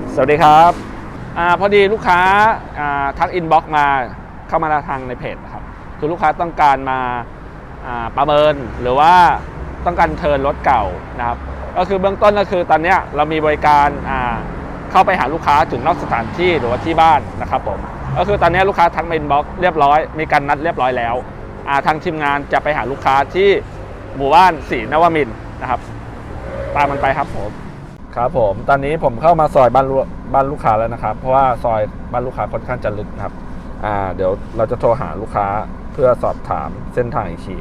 สวัสดีครับพอดีลูกค้าทักอินบ็อกซ์มาเข้ามาทางในเพจนะครับคือลูกค้าต้องการมาประเมินหรือว่าต้องการเทิร์นรถเก่านะครับก็คือเบื้องต้นก็คือตอนนี้เรามีบริการเข้าไปหาลูกค้าถึงนอกสถานที่หรือว่าที่บ้านนะครับผมก็คือตอนนี้ลูกค้าทักมาอินบ็อกซ์เรียบร้อยมีการนัดเรียบร้อยแล้วทางทีมงานจะไปหาลูกค้าที่หมู่บ้านศรีนวมินทร์นะครับตามมันไปครับผมครับผมตอนนี้ผมเข้ามาซอยบ้านลูกค้าแล้วนะครับเพราะว่าซอยบ้านลูกค้าค่อนข้างจะลึกนะครับเดี๋ยวเราจะโทรหาลูกค้าเพื่อสอบถามเส้นทางอีกที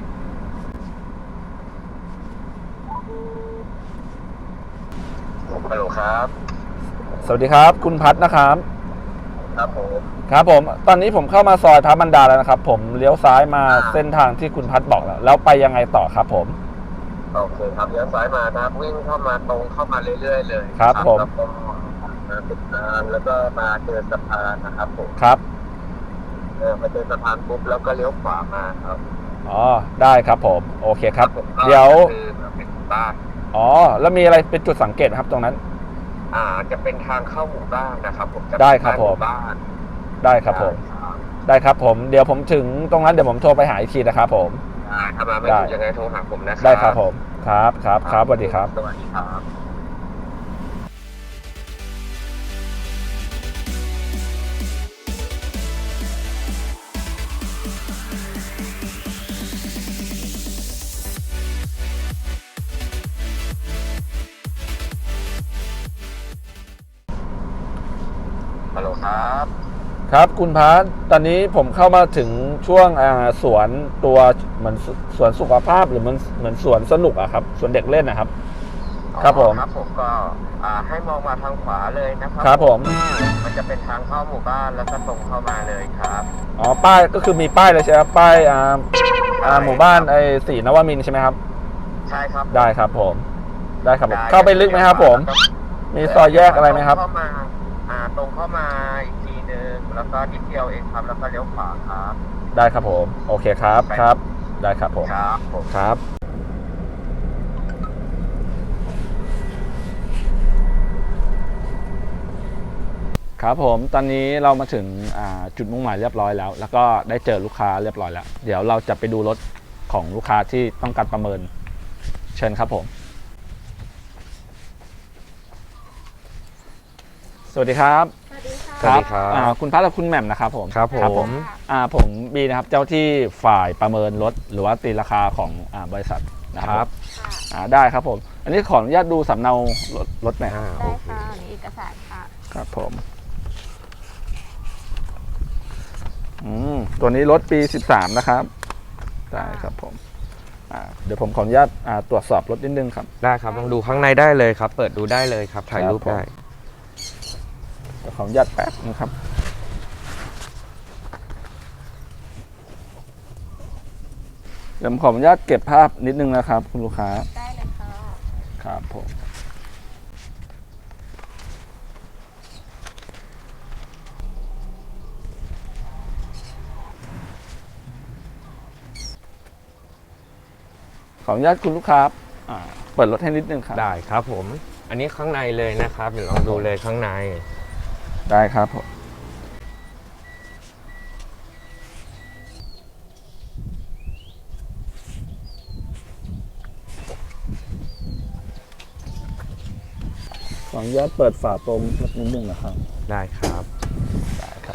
ฮัลโหลครับสวัสดีครับคุณพัฒนะครับครับผมครับผมตอนนี้ผมเข้ามาซอยพระบรรดาแล้วนะครับผมเลี้ยวซ้ายมาเส้นทางที่คุณพัฒบอกแล้วไปยังไงต่อครับผมโอเคครับเลี้ยวซ้ายมานะครับวิ่งเข้ามาตรงเข้ามาเรื่อยๆเลยครับผมแล้วก็มาติดทางแล้วก็มาเจอสะพานนะครับผมครับมาเจอสะพานปุ๊บแล้วก็เลี้ยวขวามาครับอ๋อได้ครับผมโอเคครับเดี๋ยวเป็นบ้านอ๋อแล้วมีอะไรเป็นจุดสังเกตครับตรงนั้นจะเป็นทางเข้าหมู่บ้านนะครับผมได้ครับผมบ้านได้ครับผมได้ครับผมเดี๋ยวผมถึงตรงนั้นเดี๋ยวผมโทรไปหาอีกทีนะครับผมถ้ามาไม่ถูกยังไงโทรหาผมนะครับได้ครับผมครับสวัสดีครับสวัสดีครับฮัลโหลครับครับคุณพัฒตอนนี้ผมเข้ามาถึงช่วงสวนตัวเหมือนสวนสุขภาพหรือเหมือนสวนสนุกอะครับสวนเด็กเล่นนะครับครับผมครับผมก็ให้มองมาทางขวาเลยนะครับครับผมมันจะเป็นทางเข้าหมู่บ้านแล้วก็ตรงเข้ามาเลยครับอ๋อป้ายก็คือมีป้ายเลยใช่ไหมครับป้ายหมู่บ้านศรีนวมินทร์ใช่ไหมครับใช่ครับได้ครับผมได้ครับเข้าไปลึกไหมครับผมมีซอยแยกอะไรไหมครับเข้ามาตรงเข้ามาอีกทีนึงแล้วก็นิดเดียวเองครับแล้วก็เลี้ยวขวาครับได้ครับผมโอเคครับได้ครับผมครับครับผมตอนนี้เรามาถึงจุดมุ่งหมายเรียบร้อยแล้วก็ได้เจอลูกค้าเรียบร้อยแล้วเดี๋ยวเราจะไปดูรถของลูกค้าที่ต้องการประเมินเชิญครับผมสวัสดีครับสวัสดีครับคุณพัฒน์และคุณแหม่มนะครับผมครับผมผมบีนะครับเจ้าที่ฝ่ายประเมินรถหรือว่าตีราคาของบริษัทนะครับได้ครับผมอันนี้ขออนุญาตดูสำเนารถหน่อยได้ค่ะนี่เอกสารค่ะครับผมตัวนี้รถปี13นะครับได้ครับผมเดี๋ยวผมขออนุญาตตรวจสอบรถนิดนึงครับได้ครับลองดูข้างในได้เลยครับเปิดดูได้เลยครับถ่ายรูปได้เดี๋ยวขออนุญาตแป๊บนะครับเดี๋ยวผมขออนุญาตเก็บภาพนิดนึงนะครับคุณลูกค้าได้เลยค่ะครับผมขออนุญาตคุณลูกค้าเปิดรถให้นิดนึงครับได้ครับผมอันนี้ข้างในเลยนะครับเดี๋ยวลองดูเลยข้างในได้ครับผมขออนุญาตเปิดฝาโปรงนิดนึงนะครับได้ครับได้ครับ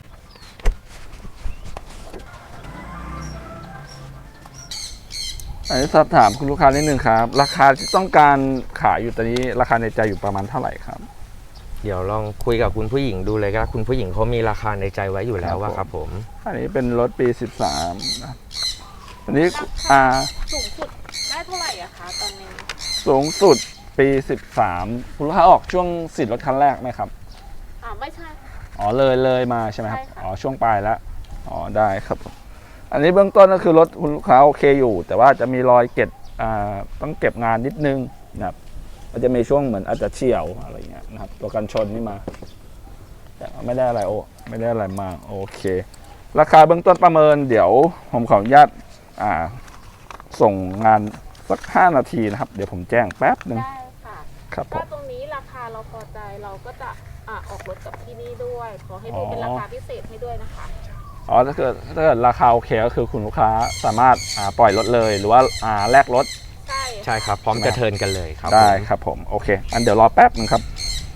อันนี้สอบถามคุณลูกค้านิดนึงครับราคาที่ต้องการขายอยู่ตอนนี้ราคาในใจอยู่ประมาณเท่าไหร่ครับเดี๋ยวลองคุยกับคุณผู้หญิงดูเลยครับคุณผู้หญิงเขามีราคาในใจไว้อยู่แล้วว่าครับผมอันนี้เป็นรถปี13นะอันนี้สูงสุดได้เท่าไหร่อะคะตอนนี้สูงสุดปี13คุณลูกค้าออกช่วงสิทธิ์รถคันแรกไหมครับไม่ใช่อ๋อเลยมาใช่ไหมครับอ๋อช่วงปลายแล้วอ๋อได้ครับอันนี้เบื้องต้นก็คือรถคุณลูกค้าโอเคอยู่แต่ว่าจะมีรอยเก็บต้องเก็บงานนิดนึงนะครับมันจะมีช่วงเหมือนอาจจะเฉี่ยวอะไรเงี้ยนะครับตัวกันชนนี่มาแต่ไม่ได้อะไรไม่ได้อะไรมากโอเคราคาเบื้องต้นประเมินเดี๋ยวผมขออนุญาตส่งงานสัก5 นาทีนะครับเดี๋ยวผมแจ้งแป๊บนึงได้ค่ะครับผมถ้าตรงนี้ราคาเราพอใจเราก็จะออกรถกับที่นี่ด้วยขอให้ดูเป็นราคาพิเศษให้ด้วยนะคะอ๋อถ้าเกิดราคาโอเคก็คือคุณลูกค้าสามารถปล่อยรถเลยหรือว่าแลกรถใช่ครับพร้อมจะเทิร์นกันเลยครับได้ผมครับผมโอเคอันเดี๋ยวรอแป๊บนึงครับ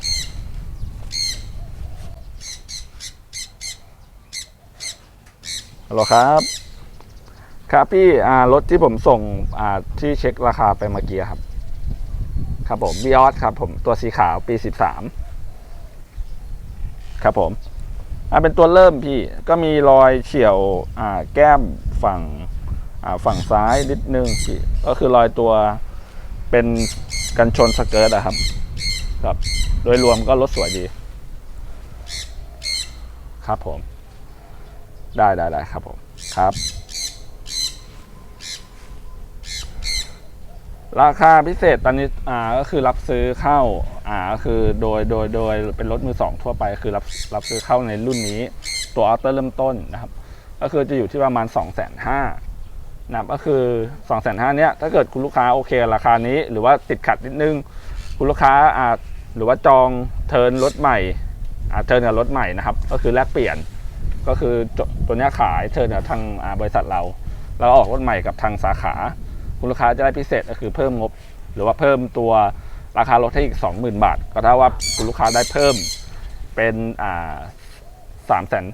ฮัลโหลครับครับพี่รถที่ผมส่งที่เช็คราคาไปเมื่อกี้ครับครับผมวิออสครับผมตัวสีขาวปี13ครับผมเป็นตัวเริ่มพี่ก็มีรอยเฉี่ยวแก้มฝั่งซ้ายนิดนึงพี่ก็คือรอยตัวเป็นกันชนสเกิร์ตอะครับครับโดยรวมก็รถสวยดีครับผมได้ครับผมครับราคาพิเศษตอนนี้ก็คือรับซื้อเข้าก็คือโดยเป็นรถมือสองทั่วไปคือรับซื้อเข้าในรุ่นนี้ตัวออโต้เริ่มต้นนะครับก็คือจะอยู่ที่ประมาณ 250,000 นะครับก็คือ 250,000 เนี้ยถ้าเกิดคุณลูกค้าโอเคราคานี้หรือว่าติดขัดนิดนึงคุณลูกค้าหรือว่าจองเทิร์นรถใหม่เทิร์นกับรถใหม่นะครับก็คือแลกเปลี่ยนก็คือตัวเนี้ยขายเทิร์นกับทางบริษัทเราออกรถใหม่กับทางสาขาคุณลูกค้าจะได้พิเศษก็คือเพิ่มงบหรือว่าเพิ่มตัวราคารถให้อีก 20,000 บาทก็เท่าว่าคุณลูกค้าได้เพิ่มเป็น370,000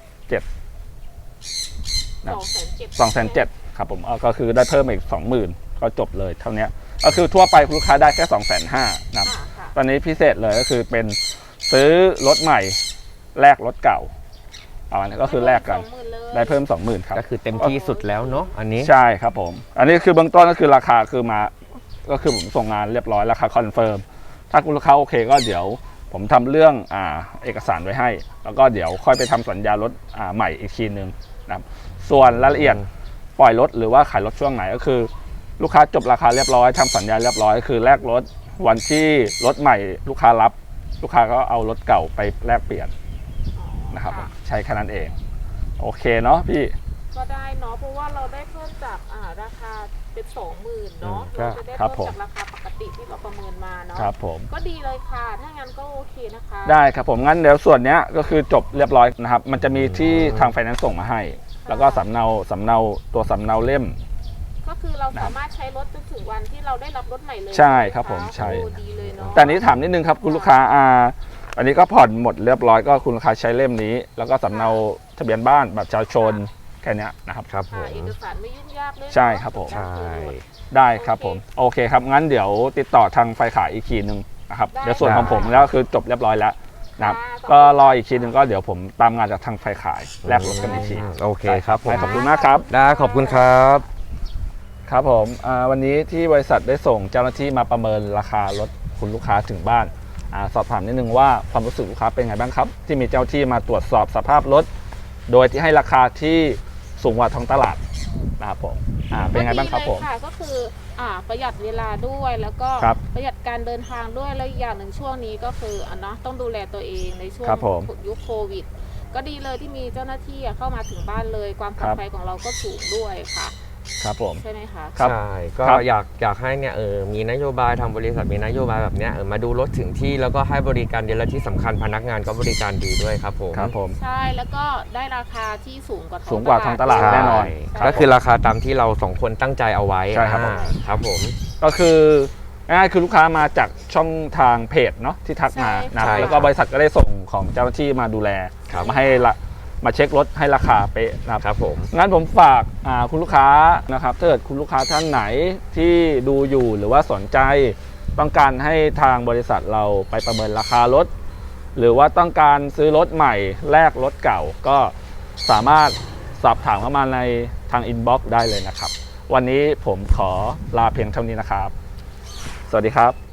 270,000ครับผมก็คือได้เพิ่มอีก 20,000ก็จบเลยเท่านี้ก็คือทั่วไปคุณลูกค้าได้แค่ 250,000นะครับตอนนี้พิเศษเลยก็คือเป็นซื้อรถใหม่แลกรถเก่าประมาณนี้ก็คือแลกกันได้เพิ่ม 20,000ครับก็คือเต็มที่สุดแล้วเนาะอันนี้ใช่ครับผมอันนี้คือเบื้องต้นก็คือราคาคือมาก็คือผมส่งงานเรียบร้อยราคาคอนเฟิร์มถ้าคุณลูกค้าโอเคก็เดี๋ยวผมทำเรื่องเอกสารไว้ให้แล้วก็เดี๋ยวค่อยไปทำสัญญารถใหม่อีกทีนึงนะครับส่วนรายละเอียดปล่อยรถหรือว่าขายรถช่วงไหนก็คือลูกค้าจบราคาเรียบร้อยทำสัญญาเรียบร้อยคือแลกรถวันที่รถใหม่ลูกค้ารับลูกค้าก็เอารถเก่าไปแลกเปลี่ยนนะครับใช้แค่นั้นเองโอเคเนาะพี่ก็ได้เนาะเพราะว่าเราได้เพิ่มจากราคาเป็น 20,000เนาะเราจะได้เพิ่มจากราคาปกติที่เราประเมินมาเนาะครับผมก็ดีเลยค่ะถ้างั้นก็โอเคนะคะได้ครับผมงั้นเดี๋ยวส่วนนี้ก็คือจบเรียบร้อยนะครับมันจะมีที่ทางไฟแนนซ์ส่งมาให้แล้วก็สำเนาตัวสำเนาเล่มก็คือเราสามารถใช้รถจนถึงวันที่เราได้รับรถใหม่เลยใช่ครับผมใช่ดีเลยเนาะแต่นี้ถามนิดนึงครับคุณลูกค้าอันนี้ก็ผ่อนหมดเรียบร้อยก็คุณลูกค้าใช้เล่มนี้แล้วก็สำเนาทะเบียนบ้านบัตรประชาชนแค่นี้นะครับครับผมเอกสารไม่ยุ่งยากเลยใช่ครับผมใช่ได้ครับผมโอเคครับงั้นเดี๋ยวติดต่อทางไฟขายอีกทีนึงนะครับเดี๋ยวส่วนของผมแล้วคือจบเรียบร้อยแล้วนะครับก็รออีกทีนึงก็เดี๋ยวผมตามงานจากทางไฟขายแลกรถกันอีกทีโอเคครับผมขอบคุณมากครับได้ขอบคุณครับครับผมวันนี้ที่บริษัทได้ส่งเจ้าหน้าที่มาประเมินราคารถคุณลูกค้าถึงบ้านสอบถามนิดนึงว่าความรู้สึกลูกค้าเป็นไงบ้างครับที่มีเจ้าที่มาตรวจสอบสภาพรถโดยที่ให้ราคาที่สูงกว่าท้องตลาดนะครับผมเป็นไงบ้างครับผมก็คือประหยัดเวลาด้วยแล้วก็ประหยัดการเดินทางด้วยแล้วอีกอย่างหนึ่งช่วงนี้ก็คือต้องดูแลตัวเองในช่วงยุคโควิดก็ดีเลยที่มีเจ้าหน้าที่เข้ามาถึงบ้านเลยความปลอดภัยของเราก็สูงด้วยค่ะครับผมใช่ไหมคะใช่ก็อยากให้เนี่ยมีนโยบายทางบริษัทมีนโยบายแบบเนี้ยมาดูรถถึงที่แล้วก็ให้บริการดีและที่สำคัญพนักงานก็บริการดีด้วยครับผมครับผมใช่แล้วก็ได้ราคาที่สูงกว่าท้องตลาดแน่นอนก็คือราคาตามที่เราสองคนตั้งใจเอาไว้ใช่ครับครับผมก็คือง่ายๆคือลูกค้ามาจากช่องทางเพจเนาะที่ทักมานะแล้วก็บริษัทก็ได้ส่งของเจ้าหน้าที่มาดูแลมาให้มาเช็ครถให้ราคาเป๊ะนะครับผมงั้นผมฝากคุณลูกค้านะครับถ้าเกิดคุณลูกค้าท่านไหนที่ดูอยู่หรือว่าสนใจต้องการให้ทางบริษัทเราไปประเมินราคารถหรือว่าต้องการซื้อรถใหม่แลกรถเก่าก็สามารถสอบถามเข้ามาในทางอินบ็อกซ์ได้เลยนะครับวันนี้ผมขอลาเพียงเท่านี้นะครับสวัสดีครับ